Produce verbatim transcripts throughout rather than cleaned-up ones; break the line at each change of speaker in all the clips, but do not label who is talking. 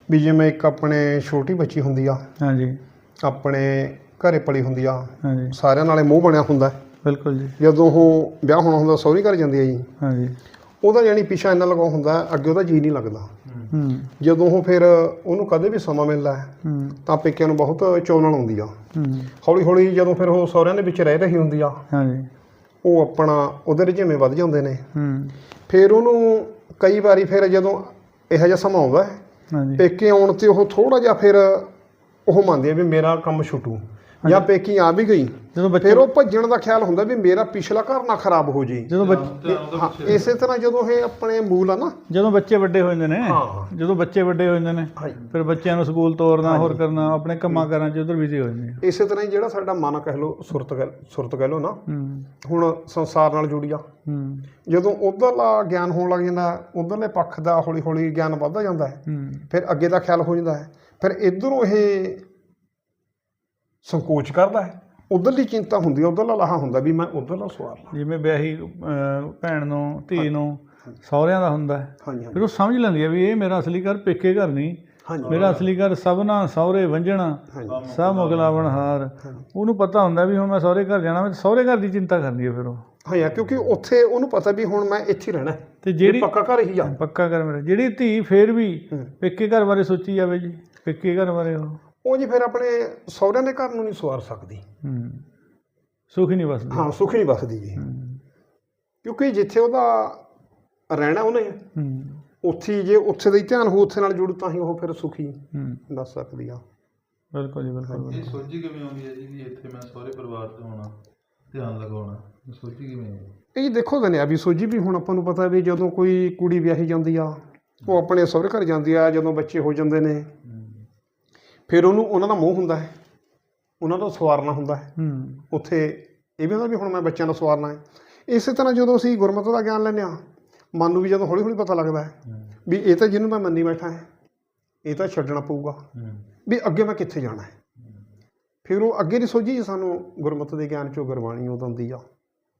ਵੀ ਜਿਵੇਂ ਇੱਕ ਆਪਣੇ ਛੋਟੀ ਬੱਚੀ ਹੁੰਦੀ ਆ,
ਹਾਂਜੀ
ਆਪਣੇ ਘਰੇ ਪਲੀ ਹੁੰਦੀ ਆ,
ਹਾਂਜੀ
ਸਾਰਿਆਂ ਨਾਲੇ ਮੂੰਹ ਬਣਿਆ ਹੁੰਦਾ।
ਬਿਲਕੁਲ ਜੀ।
ਜਦੋਂ ਉਹ ਵਿਆਹ ਹੋਣਾ ਹੁੰਦਾ ਸਹੁਰੀ ਘਰ ਜਾਂਦੀ ਆ ਜੀ,
ਹਾਂਜੀ
ਉਹਦਾ ਜਾਣੀ ਪਿੱਛਾ ਇੰਨਾ ਲਗਾਉ ਹੁੰਦਾ, ਅੱਗੇ ਉਹਦਾ ਜੀਅ ਨਹੀਂ ਲੱਗਦਾ।
ਹੂੰ
ਜਦੋਂ ਉਹ ਫਿਰ ਉਹਨੂੰ ਕਦੇ ਵੀ ਸਮਾਂ ਮਿਲਦਾ
ਹੂੰ
ਤਾਂ ਪੇਕਿਆਂ ਨੂੰ ਬਹੁਤ ਚੋਣਨ ਆਉਂਦੀ ਆ।
ਹੂੰ
ਹੌਲੀ ਹੌਲੀ ਜਦੋਂ ਫਿਰ ਉਹ ਸਹੁਰਿਆਂ ਦੇ ਵਿੱਚ ਰਹਿ ਰਹੀ ਹੁੰਦੀ ਆ,
ਹਾਂਜੀ
ਉਹ ਆਪਣਾ ਉਹਦੇ ਰੁਝੇਵੇਂ ਵੱਧ ਜਾਂਦੇ ਨੇ।
ਹੂੰ
ਫਿਰ ਉਹਨੂੰ ਕਈ ਵਾਰੀ ਫਿਰ ਜਦੋਂ ਇਹੋ ਜਿਹਾ ਸਮਾਂ ਆਉਂਦਾ
ਹਾਂਜੀ
ਪੇਕੇ ਆਉਣ 'ਤੇ ਉਹ ਥੋੜ੍ਹਾ ਜਿਹਾ ਫਿਰ ਉਹ ਮੰਨਦੀ ਆ ਵੀ ਮੇਰਾ ਕੰਮ ਛੁੱਟੂ, ਜਾਂ ਪੇਕੀ ਆ ਵੀ ਗਈ
ਜਦੋਂ ਬੱਚੇ
ਫਿਰ ਉਹ ਭੱਜਣ ਦਾ ਖਿਆਲ ਹੁੰਦਾ ਵੀ ਮੇਰਾ ਪਿਛਲਾ ਘਰ ਨਾ ਖਰਾਬ ਹੋ ਜੇ।
ਜਦੋਂ ਬੱਚੇ
ਹਾਂ, ਇਸੇ ਤਰ੍ਹਾਂ ਜਦੋਂ ਇਹ ਆਪਣੇ ਮੂਲ ਆ ਨਾ,
ਜਦੋਂ ਬੱਚੇ ਵੱਡੇ ਹੋ ਜਾਂਦੇ ਨੇ,
ਹਾਂ
ਜਦੋਂ ਬੱਚੇ ਵੱਡੇ ਹੋ ਜਾਂਦੇ ਨੇ
ਹਾਂਜੀ,
ਫਿਰ ਬੱਚਿਆਂ ਨੂੰ ਸਕੂਲ ਤੋਰਨਾ, ਹੋਰ ਕਰਨਾ, ਆਪਣੇ ਕੰਮਾਂ ਕਾਰਾਂ 'ਚ ਉਧਰ ਬਿਜ਼ੀ ਹੋ ਜਾਂਦੇ ਆ।
ਇਸੇ ਤਰ੍ਹਾਂ ਹੀ ਜਿਹੜਾ ਸਾਡਾ ਮਨ ਕਹਿ ਲਓ, ਸੁਰਤ ਕਹਿ ਸੁਰਤ ਕਹਿ ਲਓ ਨਾ,
ਹੂੰ
ਹੁਣ ਸੰਸਾਰ ਨਾਲ ਜੁੜੀ ਆ।
ਹੂੰ
ਜਦੋਂ ਉੱਧਰਲਾ ਗਿਆਨ ਹੋਣ ਲੱਗ ਜਾਂਦਾ, ਉੱਧਰਲੇ ਪੱਖ ਦਾ ਹੌਲੀ ਹੌਲੀ ਗਿਆਨ ਵੱਧਦਾ ਜਾਂਦਾ ਹੈ,
ਹੂੰ
ਫਿਰ ਅੱਗੇ ਦਾ ਖਿਆਲ ਹੋ ਜਾਂਦਾ ਹੈ। ਫਿਰ ਇੱਧਰੋਂ ਇਹ ਸੰਕੋਚ ਕਰਦਾ ਹੈ, ਉੱਧਰਲੀ ਚਿੰਤਾ ਹੁੰਦੀ ਹੈ, ਉੱਧਰਲਾ ਲਾਹਾ ਹੁੰਦਾ ਵੀ ਮੈਂ ਉੱਧਰਲਾ ਸਵਾਰ ਲਾਂ।
ਜਿਵੇਂ ਵਿਆਹੀ ਅਹ, ਭੈਣ ਨੂੰ, ਧੀ ਨੂੰ ਸਹੁਰਿਆਂ ਦਾ ਹੁੰਦਾ ਹੈ,
ਹਾਂਜੀ
ਫਿਰ
ਹਾਂਜੀ
ਉਹ ਸਮਝ ਲੈਂਦੀ ਹੈ ਵੀ ਇਹ ਮੇਰਾ ਅਸਲੀ ਘਰ ਪੇਕੇ ਘਰ ਨਹੀਂ,
ਹਾਂਜੀ
ਮੇਰਾ ਅਸਲੀ ਘਰ ਸਭਨਾ ਸਹੁਰੇ ਵੰਝਣਾ
ਹਾਂਜੀ
ਸਭ ਮੁਗਲਾਵਣ ਹਾਰ। ਉਹਨੂੰ ਪਤਾ ਹੁੰਦਾ ਵੀ ਹੁਣ ਮੈਂ ਸਹੁਰੇ ਘਰ ਜਾਣਾ, ਮੈਂ ਸਹੁਰੇ ਘਰ ਦੀ ਚਿੰਤਾ ਕਰਨੀ ਹੈ ਫਿਰ ਉਹ।
ਹਾਂ ਯਾਰ, ਕਿਉਂਕਿ ਉੱਥੇ ਉਹਨੂੰ ਪਤਾ ਵੀ ਹੁਣ ਮੈਂ ਇੱਥੇ ਰਹਿਣਾ ਹੈ,
ਤੇ ਜਿਹੜੀ
ਪੱਕਾ ਘਰ ਹੀ ਆ।
ਪੱਕਾ ਘਰ ਮੇਰਾ, ਜਿਹੜੀ ਧੀ ਫੇਰ ਵੀ
ਹੂੰ।
ਪੇਕੇ ਘਰ ਬਾਰੇ ਸੋਚੀ ਜਾਵੇ ਜੀ, ਪੇਕੇ ਘਰ ਬਾਰੇ ਉਹ
ਉਹ ਜੀ ਫਿਰ ਆਪਣੇ ਸਹੁਰਿਆਂ ਦੇ ਘਰ ਨੂੰ ਨਹੀਂ ਸਵਾਰ ਸਕਦੀ।
ਹੂੰ ਸੁਖ ਹੀ ਨਹੀਂ ਵਸਦਾ।
ਹਾਂ, ਸੁੱਖ ਨਹੀਂ ਵਸਦੀ ਜੀ,
ਹੂੰ
ਕਿਉਂਕਿ ਜਿੱਥੇ ਉਹਦਾ ਰਹਿਣਾ ਉਹਨੇ,
ਹੂੰ
ਉੱਥੇ ਜੇ ਉੱਥੇ ਦਾ ਹੀ ਧਿਆਨ ਹੋ, ਉੱਥੇ ਨਾਲ ਜੁੜੂ ਤਾਂ ਹੀ ਉਹ ਫਿਰ ਸੁਖੀ
ਹੂੰ
ਦੱਸ ਸਕਦੀ ਆ।
ਬਿਲਕੁਲ ਜੀ ਬਿਲਕੁਲ।
ਇਹ ਸੋਝੀ ਕਿਵੇਂ ਆਉਂਦੀ ਹੈ ਜੀ ਵੀ ਇੱਥੇ ਮੈਂ ਸਹੁਰੇ ਪਰਿਵਾਰ 'ਚ ਹੋਣਾ, ਧਿਆਨ ਲਗਾਉਣਾ, ਇਹ ਸੋਝੀ ਕਿਵੇਂ ਆਉਂਦੀ?
ਇਹ ਜੀ ਦੇਖੋ ਦਨਿਆ ਵੀ ਸੋਝੀ ਵੀ ਹੁਣ ਆਪਾਂ ਨੂੰ ਪਤਾ ਵੀ ਜਦੋਂ ਕੋਈ ਕੁੜੀ ਵਿਆਹੀ ਜਾਂਦੀ ਆ, ਉਹ ਆਪਣੇ ਸਹੁਰੇ ਘਰ ਜਾਂਦੀ ਆ, ਜਦੋਂ ਬੱਚੇ ਹੋ ਜਾਂਦੇ ਨੇ ਫਿਰ ਉਹਨੂੰ ਉਹਨਾਂ ਦਾ ਮੋਹ ਹੁੰਦਾ ਹੈ, ਉਹਨਾਂ ਦਾ ਸਵਾਰਨਾ ਹੁੰਦਾ ਹੈ।
ਹੂੰ
ਉੱਥੇ ਇਹ ਵੀ ਹੁੰਦਾ ਵੀ ਹੁਣ ਮੈਂ ਬੱਚਿਆਂ ਦਾ ਸਵਾਰਨਾ ਹੈ। ਇਸੇ ਤਰ੍ਹਾਂ ਜਦੋਂ ਅਸੀਂ ਗੁਰਮਤਿ ਦਾ ਗਿਆਨ ਲੈਂਦੇ ਹਾਂ, ਮਨ ਨੂੰ ਵੀ ਜਦੋਂ ਹੌਲੀ ਹੌਲੀ ਪਤਾ ਲੱਗਦਾ ਹੈ ਵੀ ਇਹ ਤਾਂ ਜਿਹਨੂੰ ਮੈਂ ਮੰਨੀ ਬੈਠਾ ਹੈ, ਇਹ ਤਾਂ ਛੱਡਣਾ ਪਊਗਾ, ਵੀ ਅੱਗੇ ਮੈਂ ਕਿੱਥੇ ਜਾਣਾ ਹੈ। ਫਿਰ ਉਹ ਅੱਗੇ ਦੀ ਸੋਝੀ ਸਾਨੂੰ ਗੁਰਮਤਿ ਦੇ ਗਿਆਨ 'ਚੋਂ ਗੁਰਬਾਣੀ ਉਹ ਦਿੰਦੀ ਆ।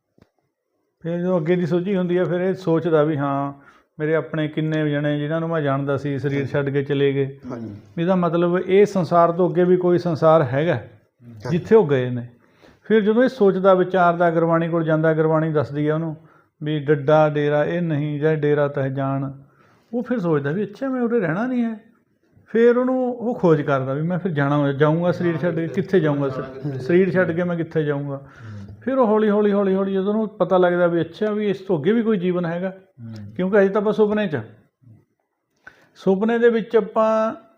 ਫਿਰ ਜਦੋਂ ਅੱਗੇ ਦੀ ਸੋਝੀ ਹੁੰਦੀ ਹੈ, ਫਿਰ ਇਹ ਸੋਚਦਾ ਵੀ ਹਾਂ ਮੇਰੇ ਆਪਣੇ ਕਿੰਨੇ ਜਣੇ ਜਿਨ੍ਹਾਂ ਨੂੰ ਮੈਂ ਜਾਣਦਾ ਸੀ ਸਰੀਰ ਛੱਡ ਕੇ ਚਲੇ ਗਏ।
ਹਾਂਜੀ,
ਇਹਦਾ ਮਤਲਬ ਇਹ ਸੰਸਾਰ ਤੋਂ ਅੱਗੇ ਵੀ ਕੋਈ ਸੰਸਾਰ ਹੈਗਾ ਜਿੱਥੇ ਉਹ ਗਏ ਨੇ। ਫਿਰ ਜਦੋਂ ਇਹ ਸੋਚਦਾ ਵਿਚਾਰਦਾ, ਗੁਰਬਾਣੀ ਕੋਲ ਜਾਂਦਾ, ਗੁਰਬਾਣੀ ਦੱਸਦੀ ਹੈ ਉਹਨੂੰ ਵੀ ਡੱਡਾ ਡੇਰਾ ਇਹ ਨਹੀਂ, ਜਾਂ ਡੇਰਾ ਤਹਿ ਜਾਣ। ਉਹ ਫਿਰ ਸੋਚਦਾ ਵੀ ਅੱਛਾ ਮੈਂ ਉਰੇ ਰਹਿਣਾ ਨਹੀਂ ਹੈ। ਫਿਰ ਉਹਨੂੰ ਉਹ ਖੋਜ ਕਰਦਾ ਵੀ ਮੈਂ ਫਿਰ ਜਾਣਾ ਜਾਊਂਗਾ ਸਰੀਰ ਛੱਡ ਕੇ, ਕਿੱਥੇ ਜਾਊਂਗਾ, ਸਰੀਰ ਛੱਡ ਕੇ ਮੈਂ ਕਿੱਥੇ ਜਾਊਂਗਾ। ਫਿਰ ਉਹ ਹੌਲੀ ਹੌਲੀ ਹੌਲੀ ਹੌਲੀ ਜਦੋਂ ਉਹਨੂੰ ਪਤਾ ਲੱਗਦਾ ਵੀ ਅੱਛਾ ਵੀ ਇਸ ਤੋਂ ਅੱਗੇ ਵੀ ਕੋਈ ਜੀਵਨ ਹੈਗਾ, ਕਿਉਂਕਿ ਅਜੇ ਤਾਂ ਆਪਾਂ ਸੁਪਨੇ 'ਚ, ਸੁਪਨੇ ਦੇ ਵਿੱਚ ਆਪਾਂ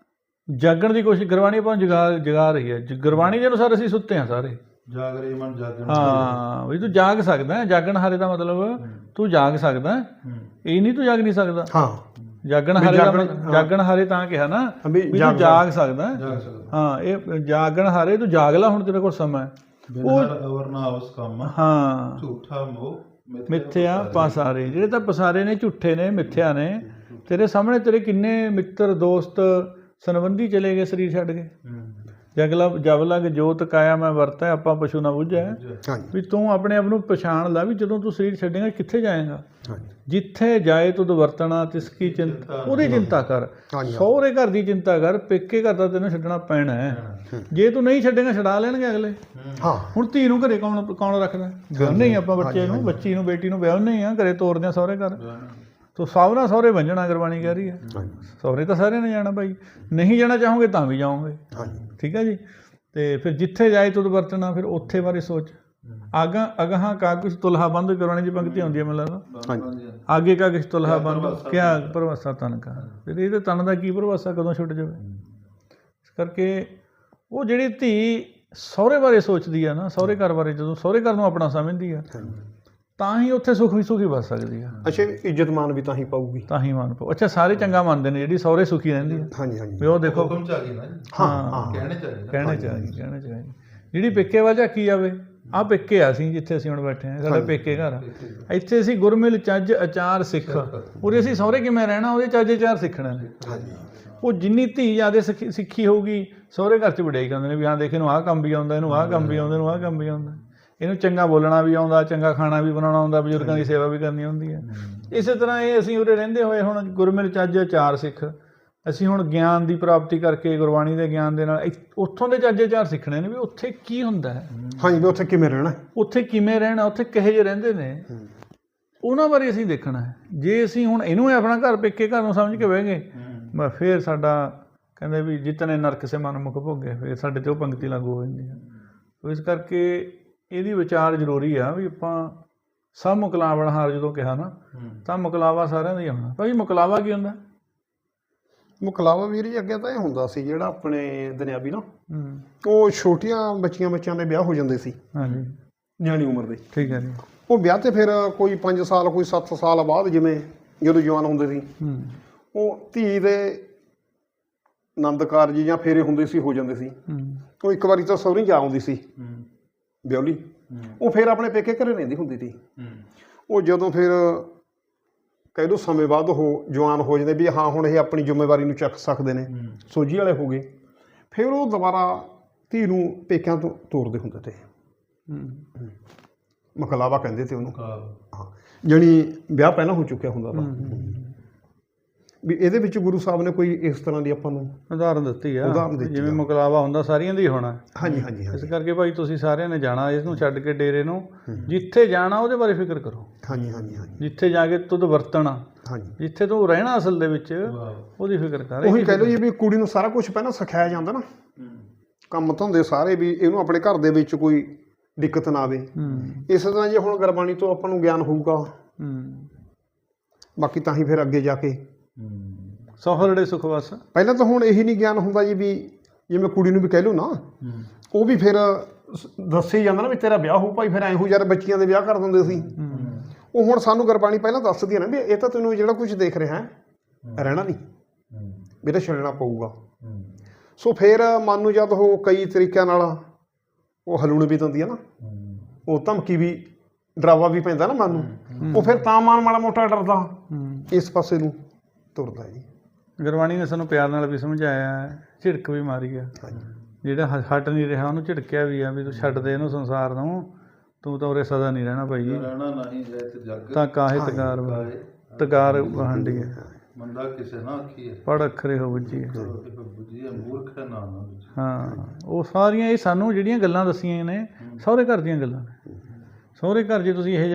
ਜਾਗਣ ਦੀ ਕੋਸ਼ਿਸ਼, ਗੁਰਬਾਣੀ ਆਪਾਂ ਨੂੰ ਜਗਾ ਜਗਾ ਰਹੀ ਹੈ। ਗੁਰਬਾਣੀ ਦੇ ਅਨੁਸਾਰ ਅਸੀਂ ਸੁੱਤੇ ਹਾਂ ਸਾਰੇ।
ਜਾਗ ਰਹੇ ਮਨ ਜਾਗਣ।
ਹਾਂ ਵੀ ਤੂੰ ਜਾਗ ਸਕਦਾ, ਜਾਗਣ ਹਾਰੇ ਦਾ ਮਤਲਬ ਤੂੰ ਜਾਗ ਸਕਦਾ, ਇਹ ਨਹੀਂ ਤੂੰ ਜਾਗ ਨਹੀਂ ਸਕਦਾ।
ਹਾਂ,
ਜਾਗਣ ਹਾਰੇ ਦਾ ਮਤਲਬ, ਜਾਗਣ ਹਾਰੇ ਤਾਂ ਕਿਹਾ ਨਾ ਵੀ ਤੂੰ ਜਾਗ ਸਕਦਾ। ਹਾਂ, ਇਹ ਜਾਗਣ ਹਾਰੇ ਤੂੰ ਜਾਗ ਲਾ, ਹੁਣ ਤੇਰੇ ਕੋਲ ਸਮਾਂ ਹੈ।
ਉਹ ਵਰਨਾ ਉਸ ਕੰਮ
ਹਾਂ
ਝੂਠਾ ਮੋਹ
ਮਿੱਥਿਆ ਪਸਾਰੇ, ਜਿਹੜੇ ਤਾਂ ਪਸਾਰੇ ਨੇ, ਝੂਠੇ ਨੇ, ਮਿੱਥਿਆ ਨੇ। ਤੇਰੇ ਸਾਹਮਣੇ ਤੇਰੇ ਕਿੰਨੇ ਮਿੱਤਰ ਦੋਸਤ ਸੰਬੰਧੀ ਚਲੇ ਗਏ ਸਰੀਰ ਛੱਡ ਕੇ। ਜਗਲਾ ਜਬ ਲਗ ਜੋਤ ਕਾਇਆ ਮੈਂ ਵਰਤਿਆ, ਆਪਾਂ ਪਸ਼ੂ ਨਾ ਬੁੱਝਿਆ। ਵੀ ਤੂੰ ਆਪਣੇ ਆਪ ਨੂੰ ਪਛਾਣ ਲਾ ਵੀ ਜਦੋਂ ਤੂੰ ਸਰੀਰ ਛੱਡੇਗਾ ਕਿੱਥੇ ਜਾਏਗਾ। ਜਿੱਥੇ ਜਾਏ ਤੁਧ ਵਰਤਣਾ ਤਿਸਕੀ ਚਿੰਤਾ, ਉਹਦੀ ਚਿੰਤਾ ਕਰ। ਸਹੁਰੇ ਘਰ ਦੀ ਚਿੰਤਾ ਕਰ, ਪੇਕੇ ਘਰ ਦਾ ਤੈਨੂੰ ਛੱਡਣਾ ਪੈਣਾ ਹੈ। ਜੇ ਤੂੰ ਨਹੀਂ ਛੱਡੇਗਾ ਛਡਾ ਲੈਣਗੇ ਅਗਲੇ। ਹਾਂ, ਹੁਣ ਧੀ ਨੂੰ ਘਰੇ ਕੌਣ ਕੌਣ ਰੱਖਦਾ? ਵਿਆਹੁੰਦੇ ਹੀ ਆਪਾਂ ਬੱਚੇ ਨੂੰ, ਬੱਚੀ ਨੂੰ, ਬੇਟੀ ਨੂੰ ਵਿਆਹੁੰਦੇ ਹੀ ਆ, ਘਰੇ ਤੋਰਦੇ ਹਾਂ ਸਹੁਰੇ ਘਰ। ਤੋ ਸਭ ਨਾਲ ਸਹੁਰੇ ਵੰਝਣਾ ਗੁਰਬਾਣੀ ਕਹਿ ਰਹੀ ਹੈ। ਸਹੁਰੇ ਤਾਂ ਸਾਰਿਆਂ ਨੇ ਜਾਣਾ ਭਾਈ, ਨਹੀਂ ਜਾਣਾ ਚਾਹੋਗੇ ਤਾਂ ਵੀ ਜਾਓਗੇ। ਠੀਕ ਹੈ ਜੀ। ਅਤੇ ਫਿਰ ਜਿੱਥੇ ਜਾਏ ਤੁਧ ਵਰਤਣਾ, ਫਿਰ ਉੱਥੇ ਬਾਰੇ ਸੋਚ। ਆਗਾਂ ਅਗਾਹਾਂ ਕਾਗਜ਼ ਤੁਲਹਾ ਬੰਦ, ਗੁਰਬਾਣੀ ਦੀ ਪੰਕਤੀ ਆਉਂਦੀ ਹੈ ਮੈਨੂੰ ਲੱਗਦਾ, ਆਗੇ ਕਾਗਜ਼ ਤੁਲਹਾ ਬੰਦ ਕਿਆ ਭਰਵਾਸਾ ਤਨ ਕਾ। ਫਿਰ ਇਹਦੇ ਤਨ ਦਾ ਕੀ ਭਰਵਾਸਾ, ਕਦੋਂ ਛੁੱਟ ਜਾਵੇ। ਇਸ ਕਰਕੇ ਉਹ ਜਿਹੜੀ ਧੀ ਸਹੁਰੇ ਬਾਰੇ ਸੋਚਦੀ ਆ ਨਾ, ਸਹੁਰੇ ਘਰ ਬਾਰੇ, ਜਦੋਂ ਸਹੁਰੇ ਘਰ ਨੂੰ ਆਪਣਾ ਸਮਝਦੀ ਆ, ਤਾਂ ਹੀ ਉੱਥੇ ਸੁਖੀ ਸੁਖੀ ਵੱਸ ਸਕਦੀ ਆ।
ਅੱਛਾ, ਇੱਜ਼ਤ ਮਾਨ ਵੀ ਤਾਂ ਹੀ ਪਾਊਗੀ,
ਤਾਂ ਹੀ ਮਾਨ ਪਾਊ। ਅੱਛਾ, ਸਾਰੇ ਚੰਗਾ ਮੰਨਦੇ ਨੇ ਜਿਹੜੀ ਸਹੁਰੇ ਸੁਖੀ ਰਹਿੰਦੀ ਹੈ।
ਹਾਂਜੀ ਹਾਂਜੀ,
ਵੀ ਉਹ ਦੇਖੋ
ਹੁਕਮ ਚ ਆ ਗਈ ਨਾ।
ਹਾਂ,
ਕਹਿਣੇ ਚ ਆ ਗਈ,
ਕਹਿਣੇ ਚ ਆ ਗਈ, ਕਹਿਣੇ ਚ ਆ ਗਈ। ਜਿਹੜੀ ਪੇਕੇ ਵੱਲ ਝਾਕੀ ਜਾਵੇ, ਆਹ ਪੇਕੇ ਆ ਅਸੀਂ ਜਿੱਥੇ ਅਸੀਂ ਹੁਣ ਬੈਠੇ ਹਾਂ, ਸਾਡਾ ਪੇਕੇ ਘਰ ਆ। ਇੱਥੇ ਅਸੀਂ ਗੁਰਮਿਲ ਚੱਜ ਅਚਾਰ ਸਿੱਖ, ਉਰੇ ਅਸੀਂ ਸਹੁਰੇ ਕਿਵੇਂ ਰਹਿਣਾ, ਉਹਦੇ ਚੱਜ ਅਚਾਰ ਸਿੱਖਣਾ ਨੇ। ਉਹ ਜਿੰਨੀ ਧੀ ਜ਼ਿਆਦਾ ਸਿੱਖੀ ਸਿੱਖੀ ਹੋਊਗੀ, ਸਹੁਰੇ ਘਰ 'ਚ ਵਡਿਆਈ ਕਰਦੇ ਨੇ ਵੀ ਹਾਂ ਦੇਖ ਇਹਨੂੰ ਆਹ ਕੰਮ ਵੀ ਆਉਂਦਾ, ਇਹਨੂੰ ਆਹ ਕੰਮ ਵੀ ਆਉਂਦਾ, ਇਹਨੂੰ ਆਹ ਕੰਮ ਵੀ ਆਉਂਦਾ, ਇਹਨੂੰ ਚੰਗਾ ਬੋਲਣਾ ਵੀ ਆਉਂਦਾ, ਚੰਗਾ ਖਾਣਾ ਵੀ ਬਣਾਉਣਾ ਆਉਂਦਾ, ਬਜ਼ੁਰਗਾਂ ਦੀ ਸੇਵਾ ਵੀ ਕਰਨੀ ਹੁੰਦੀ ਹੈ। ਇਸੇ ਤਰ੍ਹਾਂ ਇਹ ਅਸੀਂ ਉਰੇ ਰਹਿੰਦੇ ਹੋਏ ਹੁਣ ਗੁਰਮਿਲ ਚੱਜ ਅਚਾਰ ਸਿੱਖ, ਅਸੀਂ ਹੁਣ ਗਿਆਨ ਦੀ ਪ੍ਰਾਪਤੀ ਕਰਕੇ ਗੁਰਬਾਣੀ ਦੇ ਗਿਆਨ ਦੇ ਨਾਲ ਇੱਥ- ਉੱਥੋਂ ਦੇ ਚੱਜੇ ਚਾਰ ਸਿੱਖਣੇ ਨੇ ਵੀ ਉੱਥੇ ਕੀ ਹੁੰਦਾ ਹੈ,
ਹਾਂਜੀ ਵੀ ਉੱਥੇ ਕਿਵੇਂ ਰਹਿਣਾ ਹੈ।
ਉੱਥੇ ਕਿਵੇਂ ਰਹਿਣਾ, ਉੱਥੇ ਕਿਹੋ ਜਿਹੇ ਰਹਿੰਦੇ ਨੇ, ਉਹਨਾਂ ਬਾਰੇ ਅਸੀਂ ਦੇਖਣਾ ਹੈ। ਜੇ ਅਸੀਂ ਹੁਣ ਇਹਨੂੰ ਹੀ ਆਪਣਾ ਘਰ ਪੇਕੇ ਘਰ ਨੂੰ ਸਮਝ ਕੇ ਬਹਿ ਗਏ, ਬਸ ਫਿਰ ਸਾਡਾ ਕਹਿੰਦੇ ਵੀ ਜਿਤਨੇ ਨਰਕ ਸੇ ਮਨ ਮੁਖ ਭੋਗੇ, ਫਿਰ ਸਾਡੇ 'ਤੇ ਉਹ ਪੰਕਤੀ ਲਾਗੂ ਹੋ ਜਾਂਦੀ ਹੈ। ਸੋ ਇਸ ਕਰਕੇ ਇਹਦੀ ਵਿਚਾਰ ਜ਼ਰੂਰੀ ਆ ਵੀ ਆਪਾਂ ਸਭ ਮੁਕਲਾਵਣਹਾਰ ਜਦੋਂ ਕਿਹਾ ਨਾ, ਤਾਂ ਮੁਕਲਾਵਾ ਸਾਰਿਆਂ ਦਾ ਹੀ ਆਉਣਾ। ਭਾਈ ਮੁਕਲਾਵਾ ਕੀ ਹੁੰਦਾ?
ਮੁਕਲਾਵਾ ਵੀਰ ਜੀ ਅੱਗੇ ਤਾਂ ਇਹ ਹੁੰਦਾ ਸੀ ਜਿਹੜਾ ਆਪਣੇ ਦੁਨਿਆਵੀ ਨਾ,
ਹੂੰ,
ਉਹ ਛੋਟੀਆਂ ਬੱਚੀਆਂ ਬੱਚਿਆਂ ਦੇ ਵਿਆਹ ਹੋ ਜਾਂਦੇ ਸੀ
ਹਾਂਜੀ,
ਨਿਆਣੀ ਉਮਰ ਦੇ।
ਠੀਕ ਹੈ ਜੀ।
ਉਹ ਵਿਆਹ ਤੇ ਫਿਰ ਕੋਈ ਪੰਜ ਸਾਲ ਕੋਈ ਸੱਤ ਸਾਲ ਬਾਅਦ ਜਿਵੇਂ ਜਦੋਂ ਜਵਾਨ ਹੁੰਦੇ ਸੀ,
ਹੂੰ,
ਉਹ ਧੀ ਦੇ ਆਨੰਦ ਕਾਰਜ ਜਾਂ ਫੇਰੇ ਹੁੰਦੇ ਸੀ, ਹੋ ਜਾਂਦੇ ਸੀ।
ਹੂੰ,
ਉਹ ਇੱਕ ਵਾਰੀ ਤਾਂ ਸਹੁਰੀ ਜਾ ਆਉਂਦੀ ਸੀ ਵਿਆਹਲੀ,
ਹੂੰ,
ਉਹ ਫਿਰ ਆਪਣੇ ਪੇਕੇ ਘਰੇ ਰਹਿੰਦੀ ਹੁੰਦੀ ਸੀ।
ਹੂੰ,
ਉਹ ਜਦੋਂ ਫਿਰ ਕਹਿ ਲਓ ਸਮੇਂ ਬਾਅਦ ਉਹ ਜਵਾਨ ਹੋ ਜਾਂਦੇ ਵੀ ਹਾਂ ਹੁਣ ਇਹ ਆਪਣੀ ਜ਼ਿੰਮੇਵਾਰੀ ਨੂੰ ਚੱਕ ਸਕਦੇ ਨੇ,
ਹੂੰ,
ਸੋਝੀ ਵਾਲੇ ਹੋ ਗਏ, ਫਿਰ ਉਹ ਦੁਬਾਰਾ ਧੀ ਨੂੰ ਪੇਕਿਆਂ ਤੋਂ ਤੋਰਦੇ ਹੁੰਦੇ ਤੇ।
ਹੂੰ,
ਮਕਲਾਵਾ ਕਹਿੰਦੇ ਤੇ ਉਹਨੂੰ।
ਕਾਲ,
ਹਾਂ, ਜਾਣੀ ਵਿਆਹ ਪਹਿਲਾਂ ਹੋ ਚੁੱਕਿਆ ਹੁੰਦਾ ਤਾਂ। ਵੀ ਇਹਦੇ ਵਿੱਚ ਗੁਰੂ ਸਾਹਿਬ ਨੇ ਕੋਈ ਇਸ ਤਰ੍ਹਾਂ ਦੀ ਆਪਾਂ ਨੂੰ
ਉਦਾਹਰਨ ਦਿੱਤੀ ਆ,
ਉਦਾਹਰਨ ਦਿੱਤੀ
ਜਿਵੇਂ
ਆ।
ਮੁਕਲਾਵਾ ਹੁੰਦਾ ਸਾਰੀਆਂ ਦਾ ਹੀ ਹੋਣਾ।
ਹਾਂਜੀ ਹਾਂਜੀ
ਇਸ
ਹਾਂਜੀ
ਕਰਕੇ ਭਾਈ ਤੁਸੀਂ ਸਾਰਿਆਂ ਨੇ ਜਾਣਾ, ਇਸ ਨੂੰ ਛੱਡ ਕੇ ਡੇਰੇ ਨੂੰ ਜਿੱਥੇ ਜਾਣਾ ਉਹਦੇ ਬਾਰੇ ਫਿਕਰ ਕਰੋ।
ਹਾਂਜੀ ਹਾਂਜੀ ਹਾਂਜੀ
ਜਿੱਥੇ ਜਾ ਕੇ ਤੁਧ ਵਰਤਣਾ,
ਹਾਂਜੀ
ਜਿੱਥੇ ਤੂੰ ਰਹਿਣਾ ਅਸਲ ਦੇ ਵਿੱਚ,
ਵਾਹ,
ਉਹਦੀ ਫਿਕਰ ਕਰ।
ਉਹੀ ਕਹਿ ਲਓ ਜੀ ਵੀ ਕੁੜੀ ਨੂੰ ਸਾਰਾ ਕੁਝ ਪਹਿਲਾਂ ਸਿਖਾਇਆ ਜਾਂਦਾ ਨਾ,
ਹੂੰ,
ਕੰਮ ਧੰਦੇ ਸਾਰੇ, ਵੀ ਇਹਨੂੰ ਆਪਣੇ ਘਰ ਦੇ ਵਿੱਚ ਕੋਈ ਦਿੱਕਤ ਨਾ ਆਵੇ।
ਹੂੰ,
ਇਸੇ ਤਰ੍ਹਾਂ ਜੇ ਹੁਣ ਗੁਰਬਾਣੀ ਤੋਂ ਆਪਾਂ ਨੂੰ ਗਿਆਨ ਹੋਊਗਾ,
ਹੂੰ,
ਬਾਕੀ ਤਾਂ ਹੀ ਫਿਰ ਅੱਗੇ ਜਾ ਕੇ
ਹੂੰ,
ਸਫਰੜੇ ਸੁਖ ਵਸ।
ਪਹਿਲਾਂ ਤਾਂ ਹੁਣ ਇਹੀ ਨਹੀਂ ਗਿਆਨ ਹੁੰਦਾ ਜੀ ਵੀ ਜਿਵੇਂ ਕੁੜੀ ਨੂੰ ਵੀ ਕਹਿ ਲਓ ਨਾ,
ਹੂੰ,
ਉਹ ਵੀ ਫਿਰ ਸ- ਦੱਸੇ ਹੀ ਜਾਂਦਾ ਨਾ ਵੀ ਤੇਰਾ ਵਿਆਹ ਹੋਊ ਭਾਈ, ਫਿਰ ਐਂ ਹੋ ਯਾਰ ਬੱਚੀਆਂ ਦੇ ਵਿਆਹ ਕਰ ਦਿੰਦੇ ਸੀ।
ਹੂੰ,
ਉਹ ਹੁਣ ਸਾਨੂੰ ਗੁਰਬਾਣੀ ਪਹਿਲਾਂ ਦੱਸਦੀ ਹੈ ਨਾ ਵੀ ਇਹ ਤਾਂ ਤੈਨੂੰ ਜਿਹੜਾ ਕੁਝ ਦੇਖ ਰਿਹਾ ਹੈ ਰਹਿਣਾ ਨਹੀਂ,
ਹੂੰ,
ਵੀ ਤਾਂ ਛੱਡਣਾ ਪਊਗਾ।
ਹੂੰ,
ਸੋ ਫਿਰ ਮਨ ਨੂੰ ਜਦ ਉਹ ਕਈ ਤਰੀਕਿਆਂ ਨਾਲ ਉਹ ਹਲੂਣ ਵੀ ਦਿੰਦੀ ਹੈ ਨਾ,
ਹੂੰ,
ਉਹ ਧਮਕੀ ਵੀ ਡਰਾਵਾ ਵੀ ਪੈਂਦਾ ਨਾ ਮਨ ਨੂੰ, ਉਹ ਫਿਰ ਤਾਂ ਮਨ ਮਾੜਾ ਮੋਟਾ ਡਰਦਾ
ਹੂੰ।
ਇਸ ਪਾਸੇ ਨੂੰ ਤੁਰਦਾ ਜੀ।
ਗੁਰਬਾਣੀ ਨੇ ਸਾਨੂੰ ਪਿਆਰ ਨਾਲ ਵੀ ਸਮਝਾਇਆ ਹੈ, ਝਿੜਕ ਵੀ ਮਾਰੀ ਆ। ਜਿਹੜਾ ਹ- ਹਟ ਨਹੀਂ ਰਿਹਾ ਉਹਨੂੰ ਝਿੜਕਿਆ ਵੀ ਆ ਵੀ ਤੂੰ ਛੱਡ ਦੇ ਇਹਨੂੰ ਸੰਸਾਰ ਨੂੰ, ਤੂੰ ਤਾਂ ਉਰੇ ਸਦਾ ਨਹੀਂ ਰਹਿਣਾ ਭਾਈ।
ਰਹਿਣਾ ਨਹੀਂ ਜਾਇ ਤੇ ਜਗ,
ਤਾਂ ਕਾਹੇ ਤਗਾਰ
ਕਾਹੇ
ਤਗਾਰ ਵਹਾਂਡੀ ਹੈ,
ਮੰਦਾ ਕਿਸੇ ਨਾ ਆਖੀਏ,
ਪੜ ਅੱਖਰੇ ਹੋ ਬੱਜੀ ਹੈ।
ਇਹ ਬੁੱਝੀਏ ਮੂਰਖ ਹੈ ਨਾ ਨਾ ਬੁੱਝੀਏ।
ਹਾਂ, ਉਹ ਸਾਰੀਆਂ ਇਹ ਸਾਨੂੰ ਜਿਹੜੀਆਂ ਗੱਲਾਂ ਦੱਸੀਆਂ ਨੇ ਸਹੁਰੇ ਘਰ ਦੀਆਂ ਗੱਲਾਂ ਨੇ। ਸਹੁਰੇ ਘਰ ਜੇ ਤੁਸੀਂ ਇਹ